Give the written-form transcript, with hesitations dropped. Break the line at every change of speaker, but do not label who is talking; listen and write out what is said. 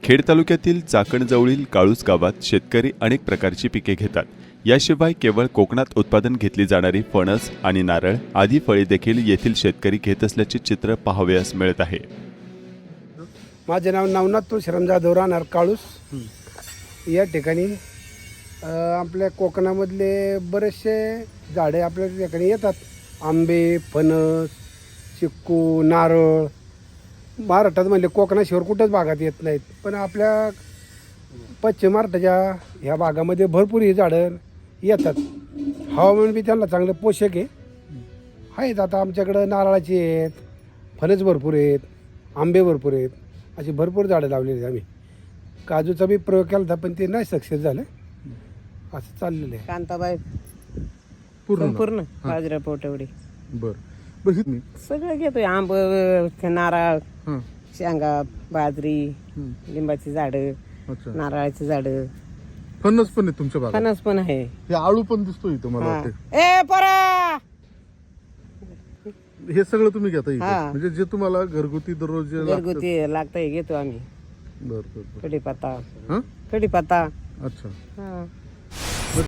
खेड तालुक्यातील चाकणजवळील काळूस गावात शेतकरी अनेक प्रकारची पिके घेतात. याशिवाय केवळ कोकणात उत्पादन घेतली जाणारी फणस आणि नारळ आदी फळे देखील येथील शेतकरी घेत असल्याचे चित्र पाहावयास मिळत आहे.
माझे नाव नवनाथ तुळशीराम जाधव, राहणार काळूस. या ठिकाणी आपल्या कोकणामधले बरेचसे झाडे आपल्या ठिकाणी येतात. आंबे, फणस, चिक्कू, नारळ. महाराष्ट्रात म्हणजे कोकणाशिवाय कुठंच भागात येत नाहीत, पण आपल्या पश्चिम महाराष्ट्राच्या ह्या भागामध्ये भरपूर ही झाडं येतात. हवामान बी त्यांना चांगलं पोषक आहेत. आता आमच्याकडं नारळाची आहेत, फणस भरपूर आहेत, आंबे भरपूर आहेत, अशी भरपूर झाडं लावलेली आहेत. आम्ही काजूचा बी प्रयोग केला होता, पण ते नाही सक्सेस झालं. असं चाललेलं आहे.
कांताबाई
पूर्ण
पूर्ण बाजरा पोटवडी
बर
सगळं घेतोय. आंब, नारळ, शेंगा, बाजरी, लिंबाची झाडं,
अच्छा.
नारळाची झाडं,
फणस पण आहे तुमच्या भागात?
फणस पण आहे.
हे आळू पण दिसतो इथं मला
हा.
वाटते.
ए परा
हे सगळं तुम्ही घेता इथे?
हा.
म्हणजे जे तुम्हाला घरगुती दररोज जे लागतं?
घरगुती लागतंय घेतो आम्ही.
बर बर बर.
कढीपत्ता,
हा
कढीपत्ता.
अच्छा.
हा.